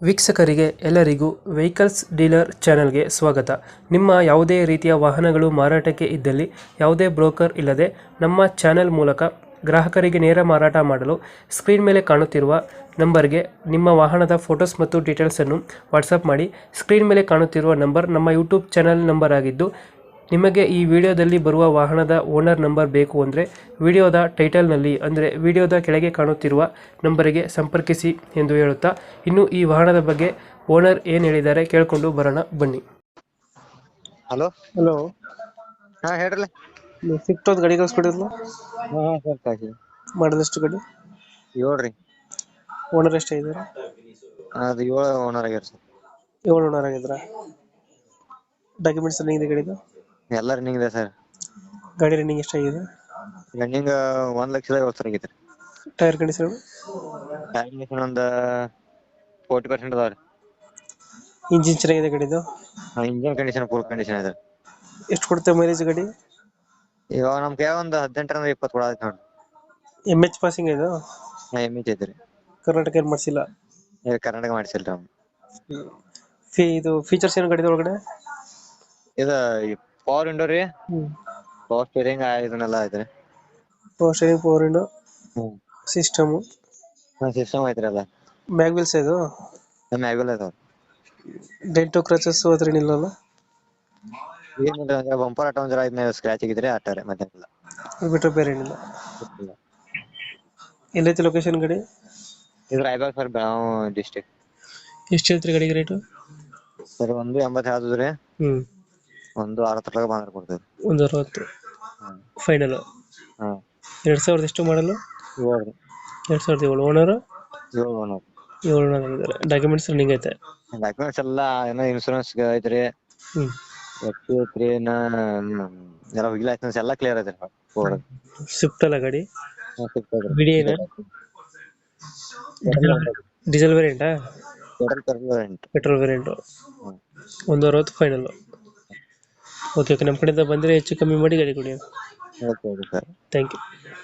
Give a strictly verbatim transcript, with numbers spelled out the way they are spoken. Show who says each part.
Speaker 1: ವೀಕ್ಷಕರಿಗೆ ಎಲ್ಲರಿಗೂ vehicles dealer ಚಾನೆಲ್ಗೆ ಸ್ವಾಗತ. ನಿಮ್ಮ ಯಾವುದೇ ರೀತಿಯ ವಾಹನಗಳು ಮಾರಾಟಕ್ಕೆ ಇದ್ದಲ್ಲಿ ಯಾವುದೇ ಬ್ರೋಕರ್ ಇಲ್ಲದೆ ನಮ್ಮ ಚಾನೆಲ್ ಮೂಲಕ ಗ್ರಾಹಕರಿಗೆ ನೇರ ಮಾರಾಟ ಮಾಡಲು ಸ್ಕ್ರೀನ್ ಮೇಲೆ ಕಾಣುತ್ತಿರುವ ನಂಬರ್ಗೆ ನಿಮ್ಮ ವಾಹನದ ಫೋಟೋಸ್ ಮತ್ತು ಡೀಟೇಲ್ಸನ್ನು ವಾಟ್ಸಪ್ ಮಾಡಿ. ಸ್ಕ್ರೀನ್ ಮೇಲೆ ಕಾಣುತ್ತಿರುವ ನಂಬರ್ ನಮ್ಮ ಯೂಟ್ಯೂಬ್ ಚಾನೆಲ್ ನಂಬರ್ ಆಗಿದ್ದು, ನಿಮಗೆ ಈ ವಿಡಿಯೋದಲ್ಲಿ ಬರುವ ವಾಹನದ ಓನರ್ ನಂಬರ್ ಬೇಕು ಅಂದರೆ ವಿಡಿಯೋದ ಟೈಟಲ್ನಲ್ಲಿ ಅಂದರೆ ವಿಡಿಯೋದ ಕೆಳಗೆ ಕಾಣುತ್ತಿರುವ ನಂಬರಿಗೆ ಸಂಪರ್ಕಿಸಿ ಎಂದು ಹೇಳುತ್ತಾ, ಇನ್ನು ಈ ವಾಹನದ ಬಗ್ಗೆ ಓನರ್ ಏನು ಹೇಳಿದ್ದಾರೆ ಕೇಳಿಕೊಂಡು ಬರೋಣ ಬನ್ನಿ.
Speaker 2: ಹಲೋ
Speaker 1: ಹಲೋ,
Speaker 2: ಹಾ ಹೇಳ್ರಲ್ಲ.
Speaker 1: ಸ್ವಿಫ್ಟ್ ಒಂದು ಗಾಡಿ ಕಳಿಸ್ಕೊಡಿದ್ಲು,
Speaker 2: ಹಾ ಹಾ ಸರ್ ಕಾಕಿ
Speaker 1: ಮಾಡದಷ್ಟು ಗಾಡಿ,
Speaker 2: ಏಳ್ರಿ.
Speaker 1: ಓನರ್ ಎಷ್ಟೇ ಇದ್ದಾರೆ?
Speaker 2: ಅದು ಏಳು ಓನರ್ ಆಗ್ಯಾರ ಸರ್.
Speaker 1: ಏಳು ಓನರ್ ಆಗಿದ್ರ. ಡಾಕ್ಯುಮೆಂಟ್ಸ್ ರನ್ನಿಂಗ್ ಇದೆ ಗಾಡಿದು?
Speaker 2: ಎಲ್ಲ ರನ್ನಿಂಗ್ ಇದೆ ಸರ್.
Speaker 1: ಗಾಡಿ ರನ್ನಿಂಗ್ ಎಷ್ಟಾಗಿದೆ?
Speaker 2: ರನ್ನಿಂಗ್ ಒಂದ್ ಲಕ್ಷದ ಐವತ್ತು ಸಾವಿರ ಆಗೈತ್ರಿ.
Speaker 1: Tyre condition?
Speaker 2: ಟೈರ್ ಕಂಡೀಷನ್ ಒಂದ್ ಫೋರ್ಟಿ ಪರ್ಸೆಂಟ್ ಅದಾವ್ರಿ.
Speaker 1: ಇಂಜಿನ್ ಚೆನ್ನಾಗಿದೆ ಗಾಡಿದು?
Speaker 2: ಇಂಜಿನ್ ಕಂಡೀಷನ್ ಫುಲ್ ಕಂಡೀಷನ್ ಇದೆ.
Speaker 1: ಎಷ್ಟು ಕೊಡುತ್ತೆ ಮೈಲೇಜ್ ಗಾಡಿ?
Speaker 2: ಇವಾಗ ನಮ್ ಕೈ ಒಂದ್ ಹದಿನೆಂಟರಿಂದ ಇಪ್ಪತ್ತು ಕೂಡ ಆಯ್ತು ನೋಡಿ.
Speaker 1: ಎಮ್ ಎಚ್ ಪಾಸಿಂಗ್ ಇದು?
Speaker 2: ನಾ ಎಮ್ ಎಚ್ ಐತ್ರಿ.
Speaker 1: ಕರ್ನಾಟಕ ಏನು ಮಾಡಿಸಿಲ್ಲ?
Speaker 2: ಈಗ ಕರ್ನಾಟಕ ಮಾಡಿಸಿಲ್ರಿ ಅವ್ನು.
Speaker 1: ಫೀ ಇದು ಫೀಚರ್ಸ್ ಏನು ಗಾಡಿದ ಒಳಗಡೆ?
Speaker 2: ಇದ ಪವರ್ ವಿಂಡೋ ರೀ,
Speaker 1: ಹ್ಮ್
Speaker 2: ಪವರ್ ಸ್ಟೀರಿಂಗ್ ಇದನ್ನೆಲ್ಲ ಐತ್ರಿ.
Speaker 1: Power steering, power window,
Speaker 2: hmm
Speaker 1: system,
Speaker 2: system ಐತ್ರಿ ಎಲ್ಲ.
Speaker 1: ಮ್ಯಾಗ್ ವೀಲ್ಸ್ ಇದು?
Speaker 2: ಮ್ಯಾಗ್ವೆಲ್ ಐತಾವ.
Speaker 1: ಡೆಂಟು ಕ್ರಚಸ್ ಅದ್ರ ಏನಿಲ್ಲಲ್ಲ?
Speaker 2: ಏನಿಲ್ಲ, ಬಂಪರ್ ಆಟ ಒಂದ್ ಜರ ಇದನ್ನ ಸ್ಕ್ರಾಚ್ ಆಗಿದ್ರೆ ಆಟಾರೆ ಮತ್ತೆ ಇಲ್ಲ.
Speaker 1: ಅದು ಬಿಟ್ಟರೆ ಬೇರೆ ಏನಿಲ್ಲ. ಎಲ್ಲೈತಿ ಲೊಕೇಶನ್ ಗಾಡಿ?
Speaker 2: ಇದು ರಾಯಬಾಗ್ ಸರ್, ಬೆಳಗಾವಿ ಡಿಸ್ಟಿಕ್.
Speaker 1: ಎಷ್ಟು ಹೇಳ್ತೀರಿ ಗಾಡಿಗೆ ರೇಟು?
Speaker 2: ಸರ್ ಒಂದು ಎಂಬತ್ತು ಹೇಳ್ತಿದ್ರಿ,
Speaker 1: ಹ್ಮ್
Speaker 2: ಒಂದು ಅರವತ್ತರೊಳಗೆ ಬಂದ್ರೆ ಕೊಡ್ತೇವೆ.
Speaker 1: ಒಂದು ಅರವತ್ತು
Speaker 2: ಹ್ಮ್
Speaker 1: ಫೈನಲ್?
Speaker 2: ಹಾ
Speaker 1: ಎರಡು ಸಾವಿರದ ಎಷ್ಟು ಮಾಡಲು?
Speaker 2: ಏಳು
Speaker 1: ಎರಡು ಸಾವಿರದ ಏಳು. ಓನರ್?
Speaker 2: ಏಳು ಓನರ್.
Speaker 1: ಏಳು ಓನರ್ ಆಗಿದ್ದಾರೆ. ಡಾಕ್ಯುಮೆಂಟ್ಸ್ ರನ್ನಿಂಗ್ ಐತೆ?
Speaker 2: ಡಾಕ್ಯುಮೆಂಟ್ಸ್ ಎಲ್ಲ ಏನೋ ಇನ್ಶೂರೆನ್ಸ್ ಐತ್ರಿ,
Speaker 1: ಹ್ಮ್
Speaker 2: ಎಫ್ ಸಿ ಐತ್ರಿ, ಎಲ್ಲ ವಿಲ್ ಲೈಸೆನ್ಸ್ ಎಲ್ಲ ಕ್ಲಿಯರ್ ಐತ್ರಿ.
Speaker 1: ಸ್ವಿಫ್ಟ್ ಅಲ್ಲ ಗಾಡಿ? ಬಿಡಿ ಏನ? ಡೀಸೆಲ್ ವೇರಿಯಂಟಾ? Petrol variant. ಒಂದು ಅರವತ್ತು ಫೈನಲ್. ಓಕೆ ಓಕೆ, ನಮ್ಮ ಕಡೆಯಿಂದ ಬಂದರೆ ಹೆಚ್ಚು ಕಮ್ಮಿ ಮಾಡಿ ಗಾಡಿ ಕೊಡಿ.
Speaker 2: Okay okay sir.
Speaker 1: Thank you.